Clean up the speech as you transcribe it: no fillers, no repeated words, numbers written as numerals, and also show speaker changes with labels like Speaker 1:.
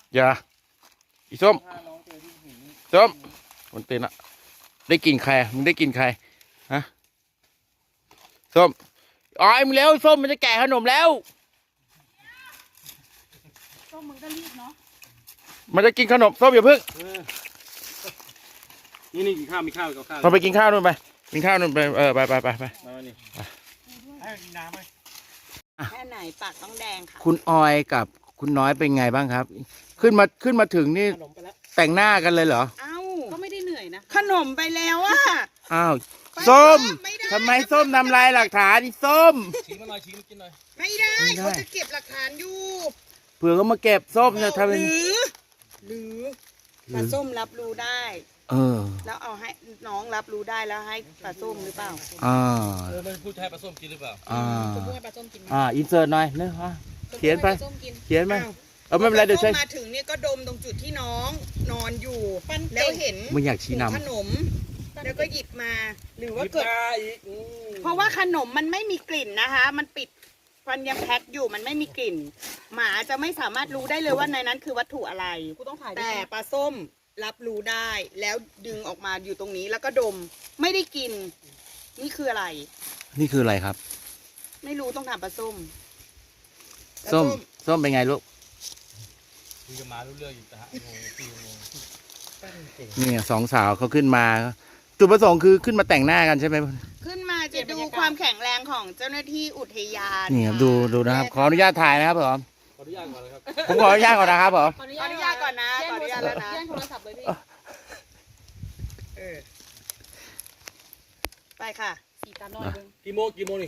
Speaker 1: อย่าอีส้มส้มมันเต้นอะได้กินใครมึงได้กินใครฮะส้มอ๋อมึงแล้วส้มมันจะแก่ขนมแล้ว
Speaker 2: ส้มมึงก็รีบเนาะ
Speaker 1: มันจะกินขนมส้มอย่าเพิ่ง
Speaker 3: นี่กินข้าวมีข้าวกับข้าว
Speaker 1: เราไปกินข้าวนู่นไปกินข้าวนู่นไปไปมานี่
Speaker 3: ให้กินน้ำไหม
Speaker 2: แค่ไหนปากต้องแดงค่ะ
Speaker 1: คุณออยกับคุณน้อยเป็นไงบ้างครับขึ้นมาถึงนี่แต่งหน้ากันเลยเหรอ
Speaker 2: เอ้าก็ไม่ได้เหนื่อยนะขนมไปแล้วอะ
Speaker 1: อ้าวส้มทำไมส้มทำลายหลักฐานนี่ส้ม
Speaker 3: ชี้มาหน่อยชี้มากินหน่อย
Speaker 2: ไม่ได้เขาจะเก็บหลักฐานอยู่
Speaker 1: เผื่อเขามาเก็บส้มจะทำเป็น
Speaker 2: หรือปลาส้มรับรู้ได้แล้วเอาให้น้องรับรู้ได้แล้วให้ปลาส้มหรือเปล่า
Speaker 3: มันพูดให้ปลาส้มกินหรือเปล่า
Speaker 2: จะพูดให้ปลาส้มกิน
Speaker 1: อินเสิร์ตหน่อยเนอะเขียนไปเขียนไหมไม่เป็นไรเดี๋ยวใช้
Speaker 2: มาถึงเนี่ยก็ดมตรงจุดที่น้องนอนอยู่แล้วเห็น
Speaker 1: มึงอยากชี้นำ
Speaker 2: ขนมแล้วก็หยิบมาหรือว่าเกิดเพราะว่าขนมมันไม่มีกลิ่นนะคะมันปิดฟันยังแพ็คอยู่มันไม่มีกลิ่นหมาจะไม่สามารถรู้ได้เลยว่าในนั้นคือวัตถุอะไรแต่ปลาส้มรับรู้ได้แล้วดึงออกมาอยู่ตรงนี้แล้วก็ดมไม่ได้กินนี่คืออะไร
Speaker 1: นี่คืออะไรครับ
Speaker 2: ไม่รู้ต้องถามปลาส้ม
Speaker 1: ส้มเป็นไงลูก
Speaker 3: คุยกับมารู้เรื่องอยู่แต่ฮะ
Speaker 1: นี่สองสาวเขาขึ้นมาจุดประสงค์คือขึ้นมาแต่งหน้ากันใช่ไหม
Speaker 2: ขึ้นมาจะดูความแข็งแรงของเจ้าหน้าที่อุทยาน
Speaker 1: นี่ครับดูนะครับขออนุญาตถ่ายนะครับผม
Speaker 3: ขออนุญาตก่อนเลยครับ
Speaker 1: ผมขออนุญาตก่อนนะครับผม
Speaker 2: ขออนุญาตก่อนนะขออนุญาตแล้วนะ
Speaker 4: แย่งโทรศัพท์เลยพี่
Speaker 2: ไปค่ะ
Speaker 4: สีตาหน่อยนึง
Speaker 3: กี่โมงนี่